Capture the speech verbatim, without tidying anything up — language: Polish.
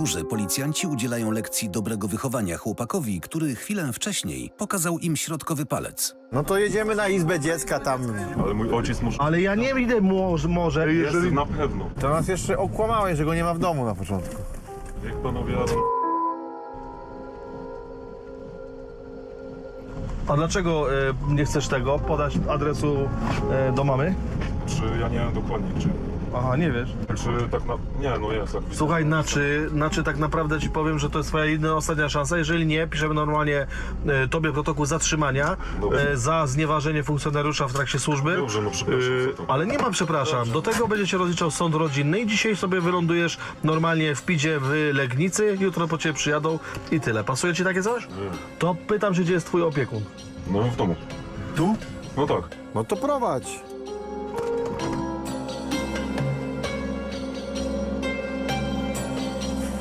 mundurze policjanci udzielają lekcji dobrego wychowania chłopakowi, który chwilę wcześniej pokazał im środkowy palec. No to jedziemy na izbę dziecka tam. Ale mój ojciec może... Ale ja nie idę może, może Jest jeżeli... na pewno. To nas jeszcze okłamałeś, że go nie ma w domu na początku. Jak panowie jadą... A dlaczego e, nie chcesz tego podać adresu e, do mamy? Czy ja nie wiem dokładnie, czy... Aha, nie wiesz. Czy tak na... Nie, no jest. Jak Słuchaj, znaczy, znaczy tak naprawdę ci powiem, że to jest twoja jedyna ostatnia szansa. Jeżeli nie, piszemy normalnie e, tobie protokół zatrzymania Dobrze. e, za znieważenie funkcjonariusza w trakcie służby. Dobrze, no przepraszam E, za to. ale nie ma przepraszam. Do tego będzie się rozliczał sąd rodzinny i dzisiaj sobie wylądujesz normalnie w Pidzie w Legnicy, jutro po ciebie przyjadą i tyle. Pasuje ci takie coś? Nie. To pytam się, gdzie jest twój opiekun. No w domu. Tu? No tak. No to prowadź.